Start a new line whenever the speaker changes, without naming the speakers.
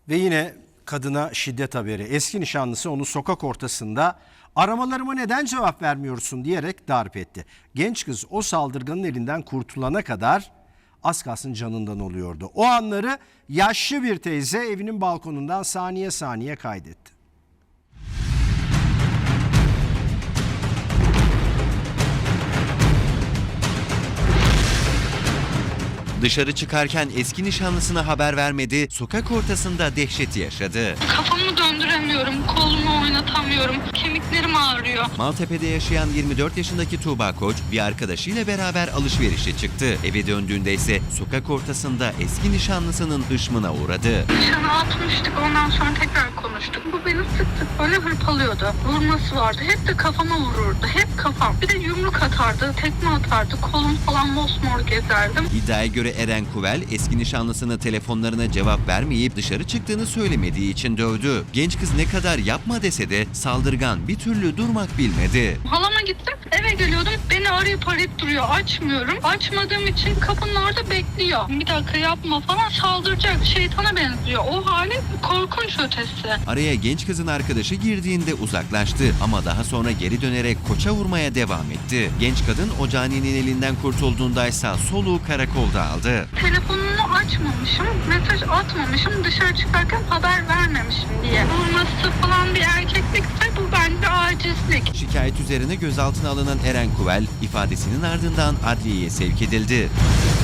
Ve yine kadına şiddet haberi. Eski nişanlısı onu sokak ortasında "Aramalarıma neden cevap vermiyorsun?" diyerek darp etti. Genç kız o saldırganın elinden kurtulana kadar az kalsın canından oluyordu. O anları yaşlı bir teyze evinin balkonundan saniye saniye kaydetti.
Dışarı çıkarken eski nişanlısına haber vermedi, sokak ortasında dehşeti yaşadı.
Kafamı döndüremiyorum, kolumu oynatamıyorum, kemiklerim ağrıyor.
Maltepe'de yaşayan 24 yaşındaki Tuğba Koç bir arkadaşıyla beraber alışverişe çıktı. Eve döndüğünde ise sokak ortasında eski nişanlısının hışmına uğradı.
Nişanı atmıştık, ondan sonra tekrar konuştuk. Bu beni sık sık böyle hırpalıyordu. Vurması vardı, hep de kafama vururdu, hep kafam. Bir de yumruk atardı, tekme atardı, kolum falan mosmor gezerdim.
İddiaya göre Eren Kuvel eski nişanlısına telefonlarına cevap vermeyip dışarı çıktığını söylemediği için dövdü. Genç kız ne kadar yapma dese de saldırgan bir türlü durmak bilmedi.
Halama gittim, eve geliyordum, beni arayıp duruyor, açmıyorum. Açmadığım için kapının orada bekliyor. Bir dakika yapma falan, saldıracak, şeytana benziyor. O hali korkunç ötesi.
Araya genç kızın arkadaşı girdiğinde uzaklaştı ama daha sonra geri dönerek Koç'a vurmaya devam etti. Genç kadın o caninin elinden kurtulduğundaysa soluğu karakolda aldı.
Telefonunu açmamışım, mesaj atmamışım, dışarı çıkarken haber vermemişim diye. Vurması falan bir erkeklikse bu bence acizlik.
Şikayet üzerine gözaltına alınan Eren Kuvel ifadesinin ardından adliyeye sevk edildi.